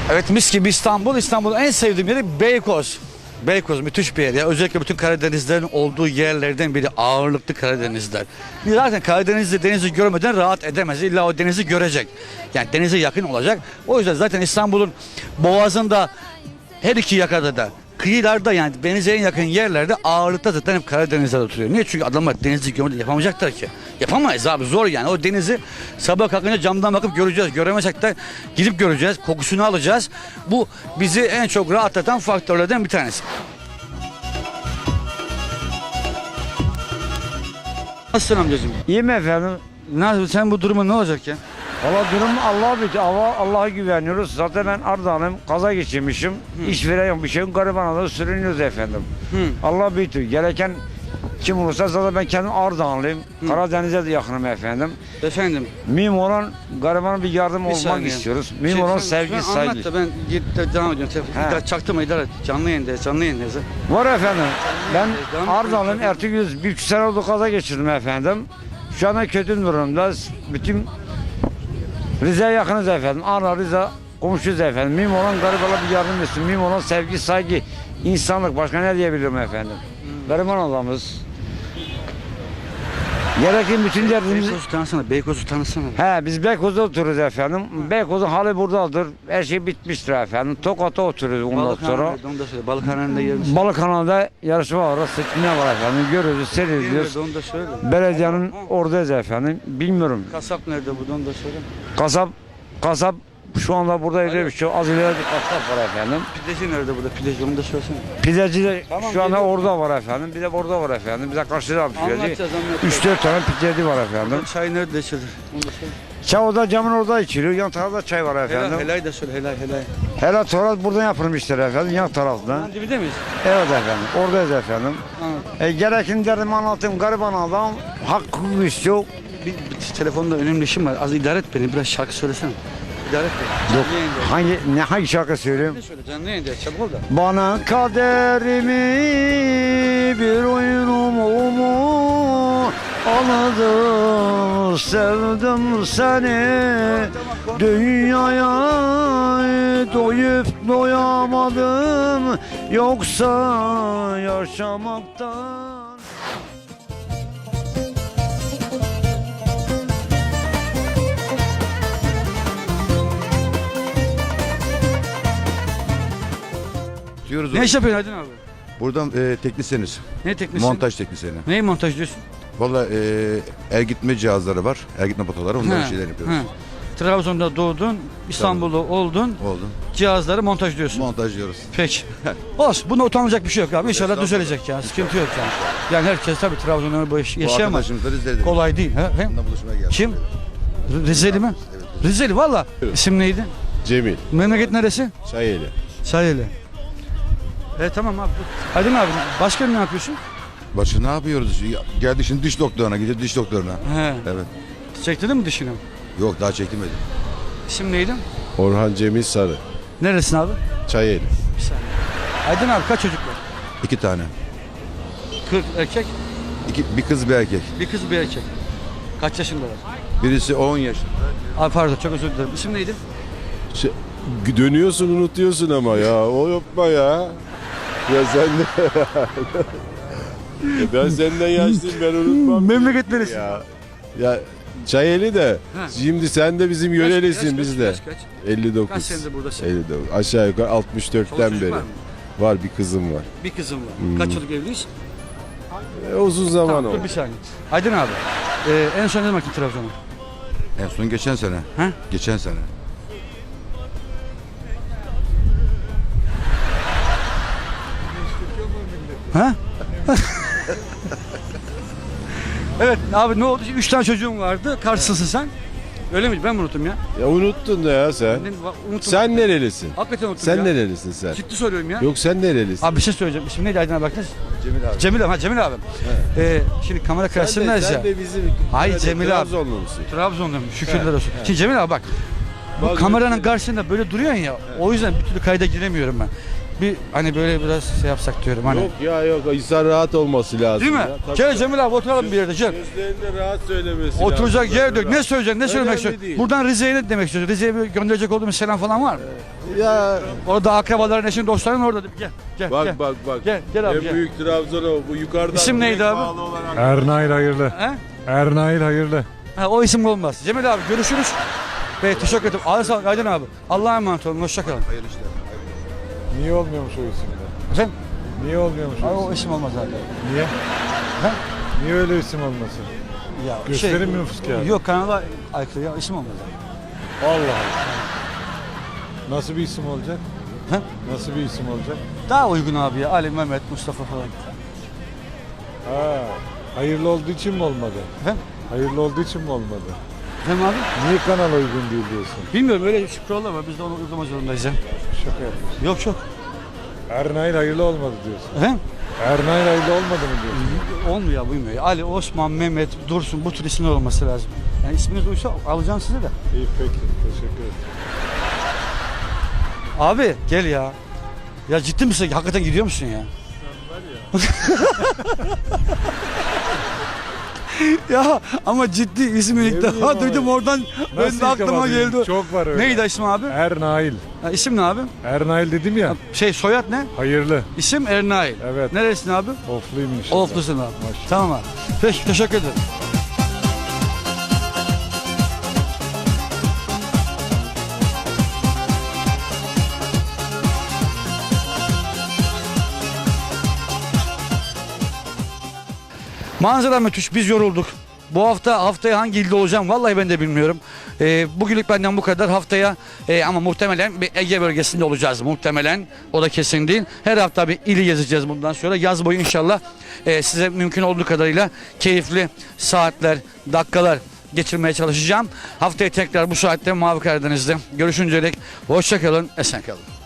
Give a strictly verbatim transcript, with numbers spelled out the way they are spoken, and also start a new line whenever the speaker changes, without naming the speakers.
Evet, mis gibi İstanbul. İstanbul'un en sevdiğim yeri Beykoz. Beykoz müthiş bir yer ya. Özellikle bütün Karadenizlerin olduğu yerlerden biri ağırlıklı Karadenizler. Zaten Karadeniz'de denizi görmeden rahat edemez. İlla o denizi görecek. Yani denize yakın olacak. O yüzden zaten İstanbul'un boğazında her iki yakada da kıyılarda, yani denize en yakın yerlerde ağırlıkta zaten hep Karadenizler oturuyor. Niye? Çünkü adamlar denizi görmeden yapamayacaklar ki. Yapamayız abi, zor yani. O denizi sabah kalkınca camdan bakıp göreceğiz. Göremezsek de gidip göreceğiz. Kokusunu alacağız. Bu bizi en çok rahatlatan faktörlerden bir tanesi. Nasılsın amcacığım?
İyiyim efendim.
Nasıl, sen bu durumun ne olacak ya?
Valla durum Allah'a bitti. Allah, Allah'a güveniyoruz. Zaten ben Ardahan'ım. Kaza geçirmişim.
Hı.
İş veren yok, bir şeyim. Garibanada sürünüyoruz efendim.
Hı.
Allah büyüktür. Gereken kim olursa, zaten ben kendim Ardahanlıyım.
Hı.
Karadeniz'e de yakınım efendim.
Efendim.
Mühim olan garibana bir yardım
Bir
olmak
saniye.
istiyoruz. Mühim
Şey,
olan
sen-
sevgi,
sen
saygı.
Anlat da ben git devam ediyorum.
He.
Telefonu çaktırma, idare et. Canlı yayındayız, canlı yayındayız. ha.
Var efendim. Ben
Devam
Ardahan'ım.
et.
Ertuğrul bir buçuk sene oldu, kaza geçirdim efendim. Şu anda kötü durumda. Bütün Rize'ye yakınız efendim. Ardahan, Rize komşuyuz efendim. Mühim olan garibana bir yardım etsin. Mühim olan sevgi, saygı, insanlık. Başka ne diyebilirim efendim?
Hmm.
Gariban adamız. Gereken bütün derdimizi...
Beykoz'u tanısana, Beykoz'u tanısana.
He, biz Beykoz'da oturuyoruz efendim. Beykoz'un hali buradadır. Her şey bitmiştir efendim. Tokat'ta oturuyoruz ondan sonra.
Balıkhanede, onu da söyle. Balıkhane'nin yerimiz.
Balıkhanada yarışma var, seçimler var efendim. Görüyoruz, seyrediyoruz.
Onu da söyle.
Belediyenin oradayız efendim. Bilmiyorum.
Kasap nerede burada, onu da söyle.
Kasap, kasap şu anda burada öyle bir şey. Az ileride bir kasap var efendim.
Pideci nerede burada, pideci, onu da söylesene.
Pideci de
Tamam,
şu anda
geliyorum.
orada var efendim. Bir de orada var efendim. Bize karşıda bir pideci.
Anlatacağız, anlatacağız.
üç dört tane pideci var efendim.
Çay nerede içilir? Onu da söyle.
Çay oda camın orada içiliyor. Yan tarafta çay var efendim.
Helal, helal de söyle, helal, helal.
Helal Torat buradan yapılmıştır efendim. Yan tarafta.
Lan dibinde miyiz?
Evet efendim. Oradayız efendim.
Anladım.
E, gerekini derdim anlatayım. Gariban adam hakkı istiyor.
Bir, bir telefonda önemli işim var. Az idare et beni, biraz şarkı söylesene. İdare et beni.
Yok.
Canlı yayındayız.
Hangi ne hangi şarkı söyleyeyim?
Ne söyle, canlı yayındayız, çabuk ol da.
Bana kaderimi bir oyunumu anladım, sevdim seni. Dünyaya doyup doyamadım, yoksa yaşamaktan.
Diyoruz
Ne iş yapıyorsun Aydın abi?
buradan e, teknisyeniz.
Ne teknisi?
Montaj teknisyeni.
Neyi montaj diyorsun?
Valla e, el gitme cihazları var. El gitme potaları. Onların
Ha,
şeyler yapıyoruz.
ha. Trabzon'da doğdun, İstanbul'da oldun,
Oldu.
cihazları montaj diyorsun.
Montajlıyoruz.
Peki. Olsun, bunda utanılacak bir şey yok abi. İnşallah
Estağfurullah.
düzelecek ya. Sıkıntı yok yani. Yani herkes tabii Trabzon'da bu iş
Bu
yaşayamaz.
arkadaşımız da Rize'de.
Kolay değil. Ha? Hem
Onunla buluşmaya geldik.
kim? Rizeli mi?
Evet.
Rizeli valla. İsim neydi?
Cemil,
Memleket neresi?
Çayeli.
Sayılı. Evet tamam abi. Aydın abi, başka ne yapıyorsun?
Başka ne yapıyoruz? Ya, geldik şimdi diş doktoruna. Gideceğiz diş doktoruna.
He.
Evet.
Çektirdin mi dişini?
Yok daha çekilmedi.
İsim neydi?
Orhan Cemil Sarı,
Neresin abi?
Çayeli.
Bir saniye. Aydın abi kaç çocuk var?
İki tane.
kırk erkek,
İki, bir kız bir erkek.
bir kız bir erkek. Kaç yaşındalar?
Birisi on yaşında.
Abi pardon, çok özür dilerim. İsim neydi?
Şey, dönüyorsun unutuyorsun ama ya. O yapma ya. Ya sen de... Ya ben senden yaşlıyım, ben unutmam.
Memleket neresi?
Ya, ya Çayeli de.
Ha.
Şimdi sen de bizim
Yaş-
yörelisin
yaş kaç,
biz de.
yaş kaç?
elli dokuz.
Kaç senedir buradasın?
elli dokuz. Aşağı yukarı altmış
Çoluk
dörtten
çocuk
beri.
var mı?
Var, bir kızım var.
Bir kızım var.
Hmm.
Kaç yıllık evliyiz?
E, uzun zaman
Tamam,
oldu.
dur bir saniye. Aydın abi, e, en son ne zaman gittin Trabzon'a?
En son geçen sene.
He?
Geçen sene.
Ha? Evet abi, ne oldu? Üç tane çocuğum vardı. Karşısısın sen. Öyle mi? Ben mi unuttum ya?
Ya unuttun da ya sen.
Ben unuttum.
Sen nerelisin?
Hakikaten unuttum
Sen
ya.
nerelisin sen?
Ciddi söylüyorum ya.
Yok sen nerelisin?
Abi bir şey söyleyeceğim. İsmi neydi Aydın abi, baktınız?
Cemil abi.
Cemil abi. Ha Cemil abi. Ee, şimdi kamera
sen de,
karşısındayız ya.
sen de bizim
Hayır,
Nerede,
Cemil abi.
Trabzonlu musun?
Trabzon'da mı? Şükürler
He,
olsun. Şimdi Cemil abi bak. Bu
Bazı
kameranın
ülkeler-
karşısında böyle duruyorsun ya. O yüzden bir türlü kayda giremiyorum ben. bir hani böyle biraz şey yapsak diyorum hani.
Yok ya yok insan rahat olması lazım.
Değil mi?
Ya. Tabii.
Gel Cemil abi oturalım bir yerde. Gel.
Gözlerinde rahat söylemesi
Oturacak
lazım.
yer yok. Ne söyleyeceksin? Ne söylemek
Önemli
istiyorsun?
değil.
Buradan Rize'ye ne demek istiyorsun? Rize'ye bir gönderecek olduğumuz selam falan var mı?
Ya
Orada akrabaların, eşin, dostların orada. Gel. Gel.
bak
gel.
bak bak.
Gel, gel abi,
En
gel.
büyük Trabzon o. Bu yukarıdan.
İsim neydi
direkt
abi?
bağlı olan hangi-
Ernail hayırlı.
He?
Ernail hayırlı.
Ha, o isim olmaz. Cemil abi görüşürüz. Ve teşekkür ederim. Ağzına sağlık Aydın abi. Allah'a emanet olun. Hoşçakalın.
Hayırlı işler.
Niye olmuyormuş o isimde?
Efendim?
Niye olmuyormuş
Abi,
o
o
isim?
isim olmaz abi.
Niye?
He?
Niye öyle isim olmasın?
Ya,
Gösterim mi nüfus kağıdı?
Yok kanala aykırı ya isim olmaz abi.
Allah Allah. Nasıl bir isim olacak?
He?
Nasıl bir isim olacak?
Daha uygun abi ya. Ali, Mehmet, Mustafa falan.
Ha, hayırlı olduğu için mi olmadı?
Efendim?
Hayırlı olduğu için mi olmadı?
Efendim abi?
Niye kanala uygun değil diyorsun?
Bilmiyorum öyle bir kurallar var. Biz de onu uygulamak zorundayız ya.
Şaka yapıyorsun.
Yok yok.
Ernail hayırlı olmadı diyorsun.
Efendim?
Ernail hayırlı olmadı mı diyorsun?
Olmuyor ya uymuyor. Ali, Osman, Mehmet, Dursun bu tür isimler olması lazım. Yani isminiz uysa alacağım sizi de.
İyi peki. Teşekkür ederim.
Abi gel ya. Ya ciddi misin? Hakikaten gidiyor musun ya? Ya ama ciddi ismi ilk
Ne
defa
bileyim
duydum
abi.
oradan ben
Nasıl
de aklıma
yıkamadın?
geldi.
Çok var öyle.
Neydi ismi abi?
Ernail.
Ha, isim ne abi?
Ernail dedim ya.
Şey soyad ne?
Hayırlı.
İsim Ernail.
Evet.
Neresin abi?
Ofluyum inşallah.
Oflusun abi.
Maşallah.
Tamam abi. Peki teşekkür ederim. Manzara müthiş. Biz yorulduk. Bu hafta haftaya hangi ilde olacağım vallahi ben de bilmiyorum. Ee, bugünlük benden bu kadar. Haftaya e, ama muhtemelen bir Ege bölgesinde olacağız muhtemelen. O da kesin değil. Her hafta bir ili gezeceğiz bundan sonra. Yaz boyu inşallah e, size mümkün olduğu kadarıyla keyifli saatler, dakikalar geçirmeye çalışacağım. Haftaya tekrar bu saatte Mavi Karadeniz'de görüşünceye dek hoşça kalın, esen kalın.